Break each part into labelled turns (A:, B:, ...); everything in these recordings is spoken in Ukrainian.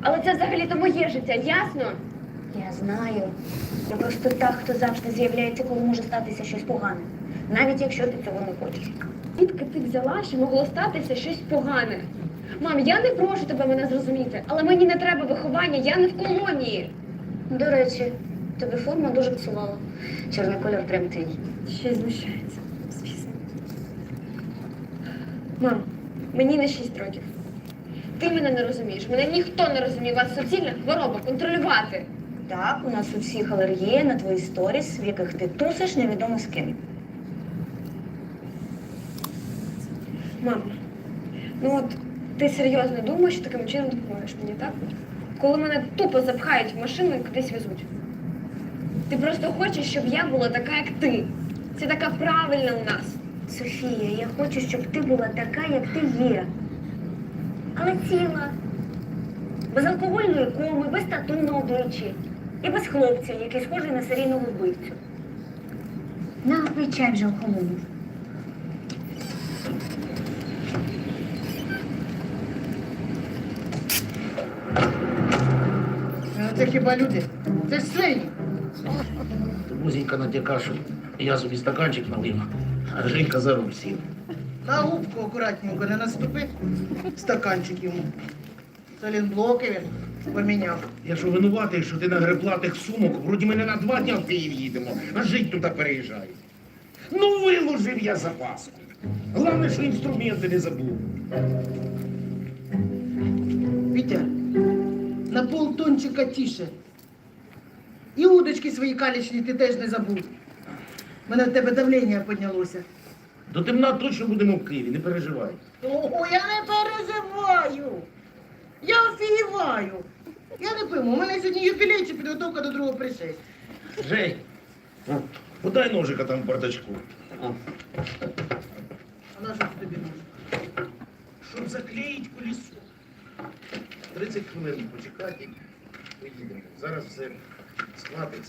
A: Але це взагалі-то моє життя, ясно?
B: Я знаю. Я просто та, хто завжди з'являється, коли може статися щось погане. Навіть якщо ти цього не хочеш.
A: Звідки ти взяла, що могло статися щось погане? Мам, я не прошу тебе мене зрозуміти, але мені не треба виховання, я не в колонії.
B: До речі, тобі форма дуже псувала. Чорний кольор прям твій.
A: Ще й знущається, звісно. Мам, мені не 6 років. Ти мене не розумієш, мене ніхто не розуміє. У вас суцільна хвороба, контролювати.
B: Так, у нас у всіх алергія на твої сторіс, в яких ти тусиш невідомо з ким.
A: Мам, ну от ти серйозно думаєш, що таким чином допоможеш мені, так? Коли мене тупо запхають в машину і кудись везуть. Ти просто хочеш, щоб я була така, як ти. Це така правильна у нас.
B: Софія, я хочу, щоб ти була така, як ти є. Але ціла. Без алкогольної коми, без тату на обличчі. І без хлопця, який схожий на серійного вбивцю. На, пий чай вже охолонув.
C: Це хіба люди? Це ж свині.
D: Музенька натяка, що я собі стаканчик налив, а Женька за руль сів.
C: На губку акуратненько не наступи. Стаканчик йому. Солінблоки він поміняв.
D: Я що винуватий, що ти нагребла тих сумок, вроді мене на 2 дня в Київ їдемо, а жить туди переїжджаю. Ну, виложив я запаску. Головне, що інструменти не забув.
C: Вітя, на полтончика тіше. І удочки свої калічні ти теж не забув. У мене в тебе давлення піднялося.
D: До темна точно будемо в Києві, не переживай.
C: Ого, я не переживаю. Я офігіваю. Я не пойму, у мене сьогодні юбілей чи підготовка до другого пришестя.
D: Жень, подай ножика там в бардачку.
C: А на що це тобі нужно?
D: Щоб заклеїть колесо. 30 хвилин почекати, поїдемо. Зараз все схватиться.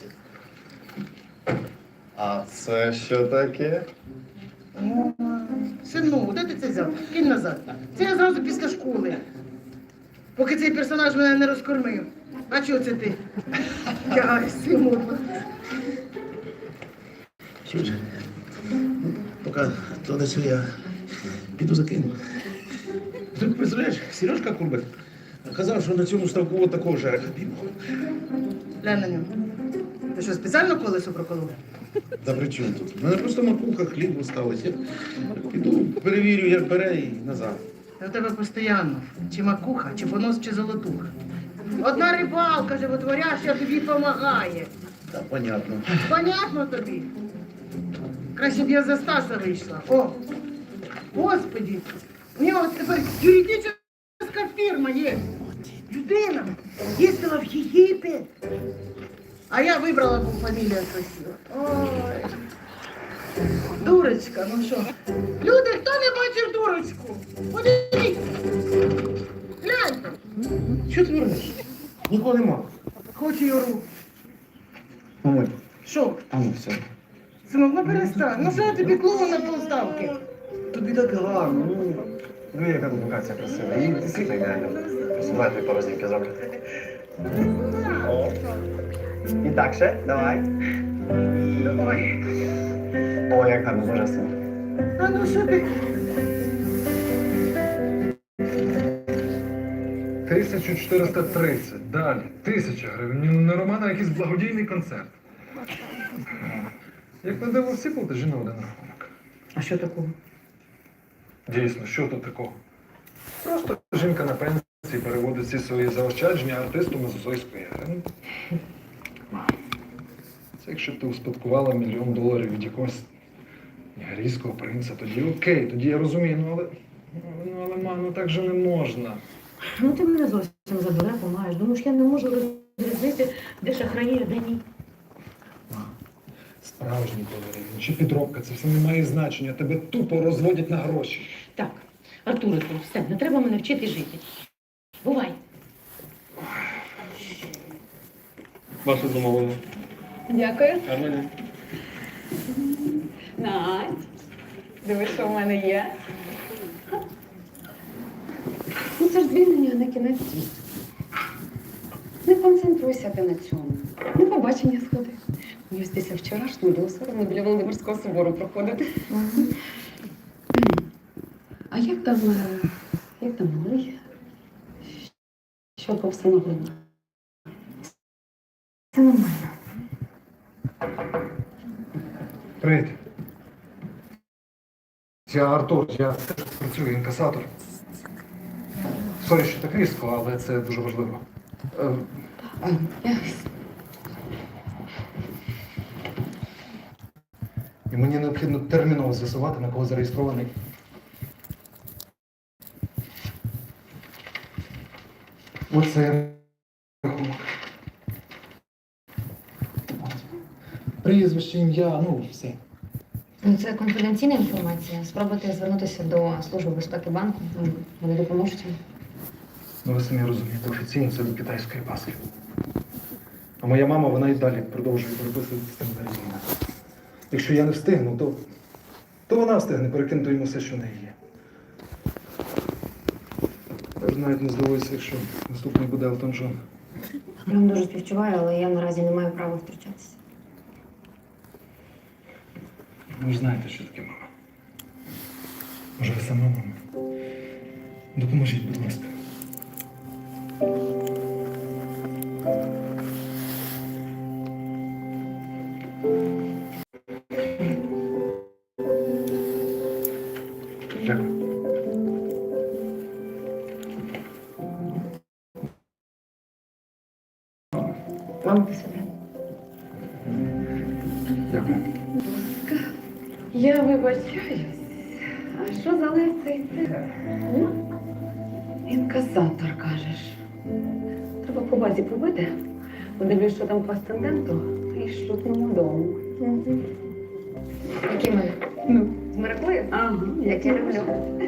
E: А це що таке?
C: О, сину, де ти це взяв? Кинь назад. Це я зразу після школи. Поки цей персонаж мене не розкормив. А чого це ти? Ай, сину.
D: Чуєш? Поки то не все, я піду закину. Ти представляєш, Сережка Курбик казав, що на цьому ставку от такого жереха піймав.
C: Глянь на нього. Ти що, спеціально колесо проколов?
D: Та при чому тут? У мене просто макуха, хліб осталось. Я піду, перевірю, як бере і назад.
C: Та в тебе постійно. Чи макуха, чи понос, чи золотуха. Одна рибалка животворяща тобі помагає.
D: Так, понятно.
C: Понятно тобі? Краще б я за Стаса вийшла. О! Господи! У нього тепер юридична фірма є. Людина їздила в Єгипет. А я вибрала, бо фамілія красива. Ой. Дурочка, ну що? Люди, хто не бачив дурочку? Подивіться. Гляньте.
D: Що ти вернеш? Нікого нема.
C: Хочу Юру.
E: Мамуль,
C: Що?
E: а ну все.
C: Синок, ну перестань. Ну що я тобі клоун на полставки?
E: Тобі так гарно. Ну, яка тут локація красива. І дійсно ідеально. Давай тобі пару знімків зроблю. І так ще, давай.
C: Ой.
E: О, як гарно, божественно.
C: А ну що ти?
F: 1430. Далі. 1000 гривень. Ну, не Романа, а якийсь благодійний концерт. Як на диво, всі платежі на один рахунок.
C: А що такого?
F: Дійсно, що тут такого? Просто жінка на пенсії переводить всі свої заощадження артисту Мезозойської ери. Це якщо б ти успадкувала $1 мільйон від якогось нігерійського принца, тоді окей, тоді я розумію, але ма, ну так же не можна.
G: Ну ти мене зовсім за дурепу маєш. Думаєш, я не можу розрізнити, де шахраї, а де ні.
F: Справжній балерин, чи підробка, це все не має значення. Тебе тупо розводять на гроші.
G: Так, Артурику, все, не треба мене вчити жити. Бувай.
E: Ваше замовлення.
A: Дякую.
E: А мене?
A: Надь, дивись, що в мене є.
G: Ну це ж звільнення, а не кінець світу.
H: кайфуйся ти на цьому. На побачення сходи. Мені ось після вчорашнього було соромно біля Володимирського собору проходити. А як там малий? Що по встановленню?
G: Це нормально.
F: Привіт. Я Артур, я теж працюю інкасатор. Сорі, що так різко, але це дуже важливо. І мені необхідно терміново з'ясувати, на кого зареєстрований. Оце рахунок. Прізвище, ім'я, ну все.
I: Ну, це конфіденційна інформація. Спробуйте звернутися до Служби безпеки банку. Вони допоможуть вам.
F: Ну, ви самі розумієте, офіційно це до китайської паски. А моя мама, вона і далі продовжує переписувати з тим Березіна. Якщо я не встигну, то вона встигне перекинути йому все, що в неї є. Я ж навіть не здивуюся, якщо наступний буде Елтон Джон.
I: Я вам дуже співчуваю, але я наразі не маю права втручатися.
F: Ви ж знаєте, що таке мама. Може, ви сама мама? Допоможіть, будь ласка. Дякую.
I: Мамки собі.
F: Дякую.
H: Я вибачаюсь. А що за лицей ти? Інкасатор, кажеш. Треба по базі побити. Подивлюсь, що там по астенденту, і шлюбному дому.
I: Які ми?
H: Ну,
I: З Мироклею?
H: ага,
I: Як я люблю.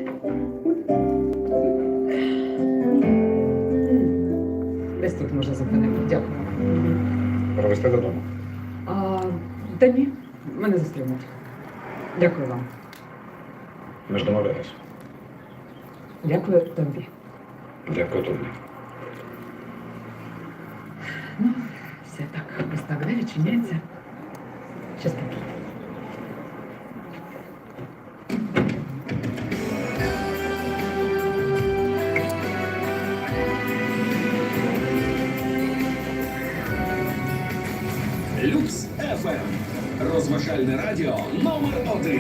H: Десь тут може зупинити. Дякую.
F: Провести додому.
H: Та ні, мене зустрінуть. Дякую вам.
F: Ми ж домовлялись.
H: Дякую тобі.
F: Дякую тобі.
H: Ну, все так, ось так, да, відчиняється. Щас таки.
J: Люкс ФМ. Розважальне радіо номер 1.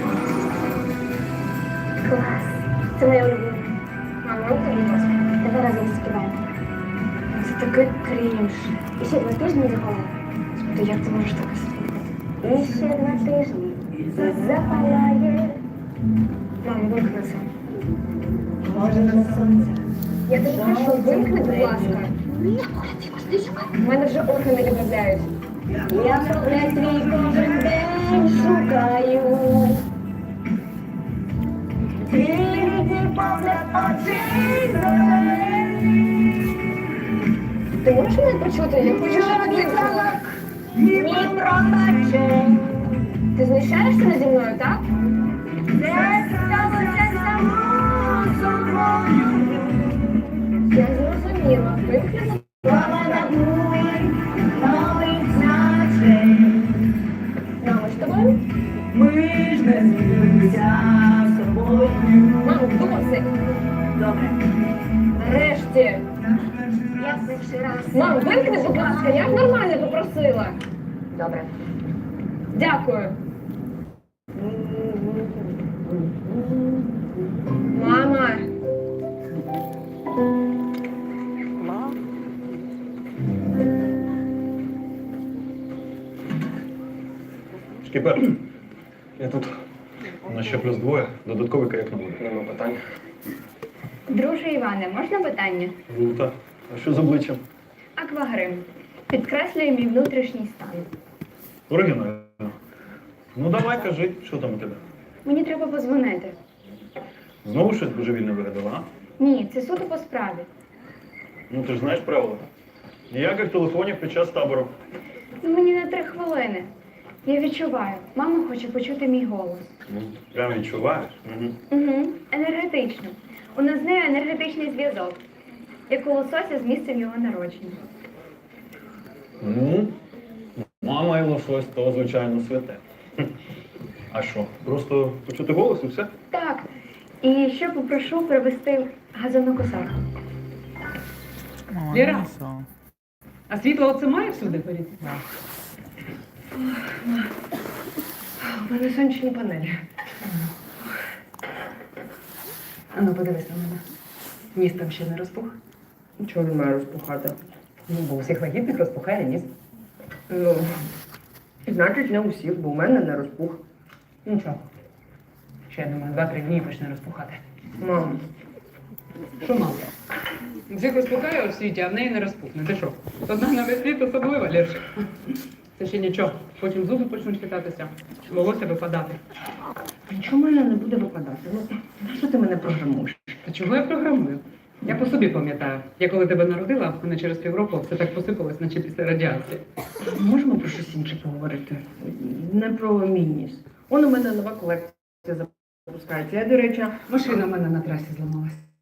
B: Клас. Це моя улюблена. Мама, руки будь ласка. Давай разом співаємо.
I: Це такий крінж.
B: І ще 2 тижні запалає.
I: То як ти можеш так слухати?
B: І ще 2 тижні запалає.
I: Мам, вимкни це.
B: Може на сонце.
A: Я тобі прошу, вимкни, будь ласка. У мене вже органи відмовляють.
B: Я тебе твій кожен день шукаю. Твій погляд очей зелені.
A: Ти можеш мене почути? Я хочу, щоб ти вимкнула.
B: Мій пробачень.
A: Ти знущаєшся наді мною, так?
B: Це сталося само собою.
A: Я зрозуміла. Вимкни.
B: Слава набули нових значень.
A: Мамо, з тобою?
B: Ми ж не змінилися з тобою.
A: Мамо, досить.
B: Добре.
A: Нарешті.
B: Я перший раз.
A: Мам, вимкни, будь ласка, я ж нормально попросила.
B: Добре.
A: Дякую. Мама.
F: Шкіпер, я тут. У нас ще плюс 2, додатковий каяк не буде. Нема питань.
K: Друже Іване, можна питання?
F: Круто. А що з обличчям?
K: Аквагрим. Підкреслює мій внутрішній стан.
F: Оригінально. Ну давай, кажи, що там у тебе?
K: Мені треба подзвонити.
F: Знову щось божевільне вигадала, а?
K: Ні, це суто по справі.
F: Ну ти ж знаєш правила. Ніяких телефонів під час табору.
K: Ну, мені на 3 хвилини. Я відчуваю. Мама хоче почути мій голос.
F: Ну, прям відчуваєш. Угу.
K: Угу. Енергетично. У нас з нею енергетичний зв'язок. Як у лосося з місцем його народження.
E: Ну, мама і лосось то, звичайно, святе. А що? Просто почути голос і все?
K: Так. І ще попрошу привезти газонокосарку.
H: Ліра, а світло оце має всюди горіти?
A: У мене сонячні панелі.
H: А ну подивись на мене. Ніс там ще не розпух?
A: Чого він має розпухати?
H: Ну, бо у всіх вагітних розпухає ніс.
A: Ну, значить, не усіх, бо у мене не розпух.
H: Нічого. Ще, я думаю, 2-3 дні і почне розпухати.
A: Мам,
H: Що мало? У всіх розпухає у світі, а в неї не розпухне. Ти що? Одна на весь світ особлива, Лірчик. Це ще нічого. Потім зуби почнуть хитатися, волосся випадати.
A: нічого в мене не буде випадати. Ну, нащо ти мене програмуєш?
H: Та чого я програмую? Я по собі пам'ятаю. Я коли тебе народила, в мене через півроку все так посипалось, наче після радіації.
A: Можемо про щось інше поговорити? Не про мій ніс. Он у мене нова колекція запускається. Я, до речі,
H: Машина в мене на трасі зламалась.